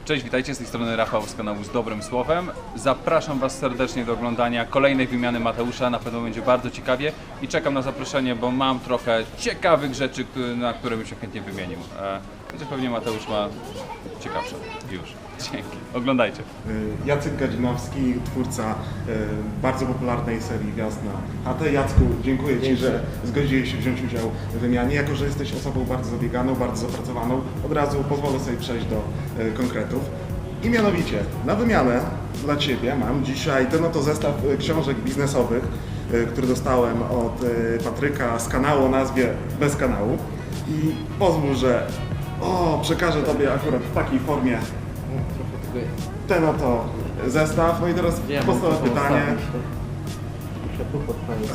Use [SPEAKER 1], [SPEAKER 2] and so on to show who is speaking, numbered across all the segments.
[SPEAKER 1] Cześć, witajcie, z tej strony Rafał z kanału Z Dobrym Słowem. Zapraszam Was serdecznie do oglądania kolejnej wymiany Mateusza, na pewno będzie bardzo ciekawie i czekam na zaproszenie, bo mam trochę ciekawych rzeczy, na które bym się chętnie wymienił. Chociaż pewnie Mateusz ma ciekawsze już. Dzięki, oglądajcie.
[SPEAKER 2] Jacek Gadzinowski, twórca bardzo popularnej serii Wjazd na chatę. Jacku, dziękuję Ci, że zgodziłeś się wziąć udział w wymianie. Jako że jesteś osobą bardzo zabieganą, bardzo zapracowaną, od razu pozwolę sobie przejść do konkretów. I mianowicie, na wymianę dla Ciebie mam dzisiaj ten oto zestaw książek biznesowych, który dostałem od Patryka z kanału o nazwie Bez Kanału. I pozwól, że przekażę Tobie akurat w takiej formie ten oto zestaw. No i teraz podstawowe pytanie.
[SPEAKER 3] Muszę tu podpalić.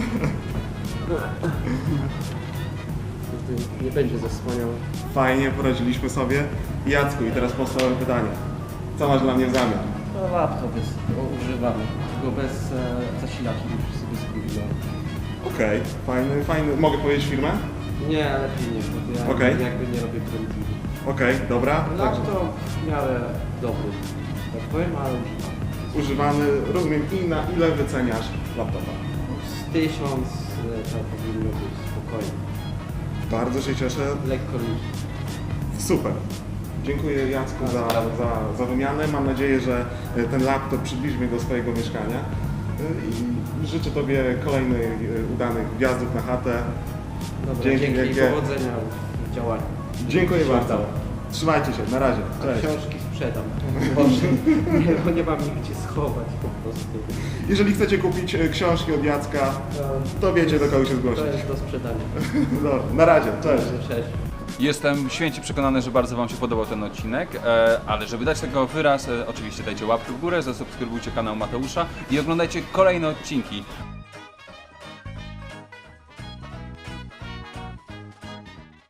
[SPEAKER 3] Nie będzie zasłaniał.
[SPEAKER 2] Fajnie, poradziliśmy sobie. Jacku, i teraz podstawowe pytanie. Co masz dla mnie w zamian?
[SPEAKER 3] To laptop jest używany, tylko bez zasilacza, muszę sobie zgubić.
[SPEAKER 2] Okej, fajny. Mogę powiedzieć firmę?
[SPEAKER 3] Nie, lepiej nie, bo ja
[SPEAKER 2] Okej.
[SPEAKER 3] jakby nie robię prędzej.
[SPEAKER 2] Okej, dobra.
[SPEAKER 3] Laptop w miarę dobry, tak powiem, ale
[SPEAKER 2] Używany, rozumiem, i na ile wyceniasz laptopa?
[SPEAKER 3] z 1000 to powinno być spokojnie.
[SPEAKER 2] Bardzo się cieszę.
[SPEAKER 3] Lekko niż.
[SPEAKER 2] Super. Dziękuję Jacku za wymianę. Mam nadzieję, że ten laptop przybliży mnie do swojego mieszkania. I życzę Tobie kolejnych udanych wjazdów na chatę.
[SPEAKER 3] Dobra,
[SPEAKER 2] Dzięki
[SPEAKER 3] dzięki i
[SPEAKER 2] wielkie.
[SPEAKER 3] powodzenia w działaniu.
[SPEAKER 2] Dziękuję bardzo. Trzymajcie się, na razie. Cześć.
[SPEAKER 3] Książki sprzedam. Boże, bo nie mam nigdzie schować po prostu.
[SPEAKER 2] Jeżeli chcecie kupić książki od Jacka, to wiecie, do kogo się zgłosić.
[SPEAKER 3] To jest do sprzedania.
[SPEAKER 2] Dobra, na razie, cześć.
[SPEAKER 3] Cześć.
[SPEAKER 1] Jestem święcie przekonany, że bardzo Wam się podobał ten odcinek, ale żeby dać tego wyraz, oczywiście dajcie łapkę w górę, zasubskrybujcie kanał Mateusza i oglądajcie kolejne odcinki.